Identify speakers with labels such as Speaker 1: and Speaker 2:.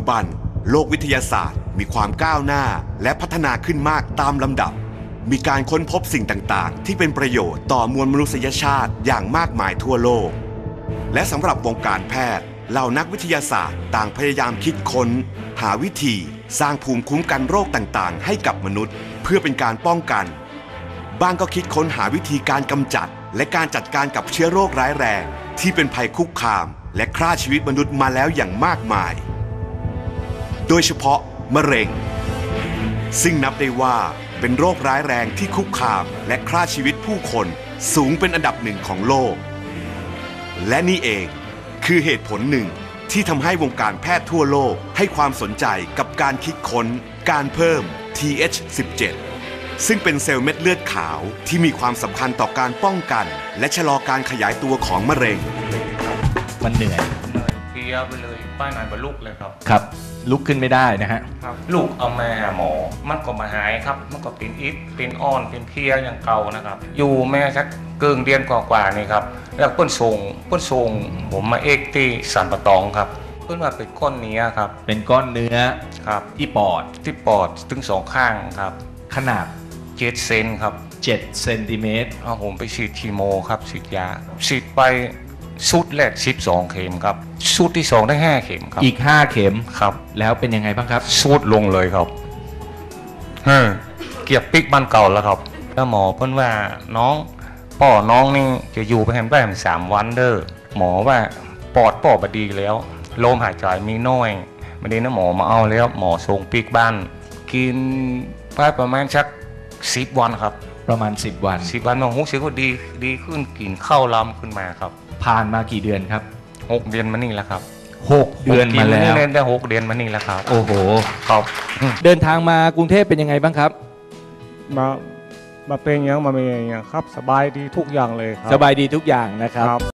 Speaker 1: บันโลกวิทยาศาสตร์มีความก้าวหน้าและพัฒนาขึ้นมากตามลำดับมีการค้นพบสิ่งต่างๆที่เป็นประโยชน์ต่อมวลมนุษยชาติอย่างมากมายทั่วโลกและสำหรับวงการแพทย์เหล่านักวิทยาศาสตร์ต่างพยายามคิดค้นหาวิธีสร้างภูมิคุ้มกันโรคต่างๆให้กับมนุษย์เพื่อเป็นการป้องกันบ้างก็คิดค้นหาวิธีการกำจัดและการจัดการกับเชื้อโรคร้ายแรงที่เป็นภัยคุกคามและฆ่าชีวิตมนุษย์มาแล้วอย่างมากมายโดยเฉพาะมะเร็งซึ่งนับได้ว่าเป็นโรคร้ายแรงที่คุกคามและฆ่าชีวิตผู้คนสูงเป็นอันดับหนึ่งของโลกและนี่เองคือเหตุผลหนึ่งที่ทำให้วงการแพทย์ทั่วโลกให้ความสนใจกับการคิดค้นการเพิ่ม TH17 ซึ่งเป็นเซลล์เม็ดเลือดขาวที่มีความสำคัญต่อการป้องกันและชะลอการขยายตัวของมะเร็ง
Speaker 2: มันเหนื่อย
Speaker 3: เพลียไปเลยป้ายนานบรรลุเลยครับ
Speaker 2: ครับลุกขึ้นไม่ได้นะฮะ
Speaker 3: ลูกเอามาหาหมอมันก็มาหายครับมันก็เป็นอิดเป็นอ่อนเป็นเพลียอย่างเก่านะครับอยู่แม่สักเกินเดือนกว่าๆนี่ครับแล้วเปิ้นส่งผมมาเอ็กที่สันปะตองครับเปิ้นว่าเป็นก้อนเนื้อครับ
Speaker 2: เป็นก้อนเนื้อ
Speaker 3: ครับ
Speaker 2: ที่ปอด
Speaker 3: ถึงสองข้างครับ
Speaker 2: ขนาด
Speaker 3: 7 เซนครับ
Speaker 2: 7 เซนติเมตร
Speaker 3: ผมไปฉีดคีโมครับฉีดยาฉีดไปชุดแรก12 เข็มครับชุดที่2ได้5 เข็มครับ
Speaker 2: อีก5 เข็ม
Speaker 3: ครับ
Speaker 2: แล้วเป็นยังไงบ้างครับ
Speaker 3: ชุดลงเลยครับเกียบปิกบ้านเก่าแล้วครับแล้วหมอเพิ่นว่าน้องนี่จะอยู่ไปแฮมได้3 วันเด้อหมอว่าปอดบดีแล้วลมหายใจมีน้อยไม่ได้นะหมอมาเอาแล้วหมอส่งปิกบ้านกินไปประมาณสัก10 วันครับ
Speaker 2: ประมาณ10 วัน
Speaker 3: หมอรู้สึกว่าดีขึ้นกินข้าวล้ำขึ้นมาครับ
Speaker 2: ผ่านมากี่เดือนครับ
Speaker 3: 6 เดือนมานี่แล้วครับ
Speaker 2: 6 เดือนมาแล้ว
Speaker 3: ได้6 เดือนมานี่แล้วครับ
Speaker 2: โอ้โห
Speaker 3: ครับ
Speaker 2: เดินทางมากรุงเทพเป็นยังไงบ้างครับ
Speaker 4: มาเป็นอย่างมาเป็นอย่างครับสบายดีทุกอย่างเลยครับ
Speaker 2: สบายดีทุกอย่างนะครับ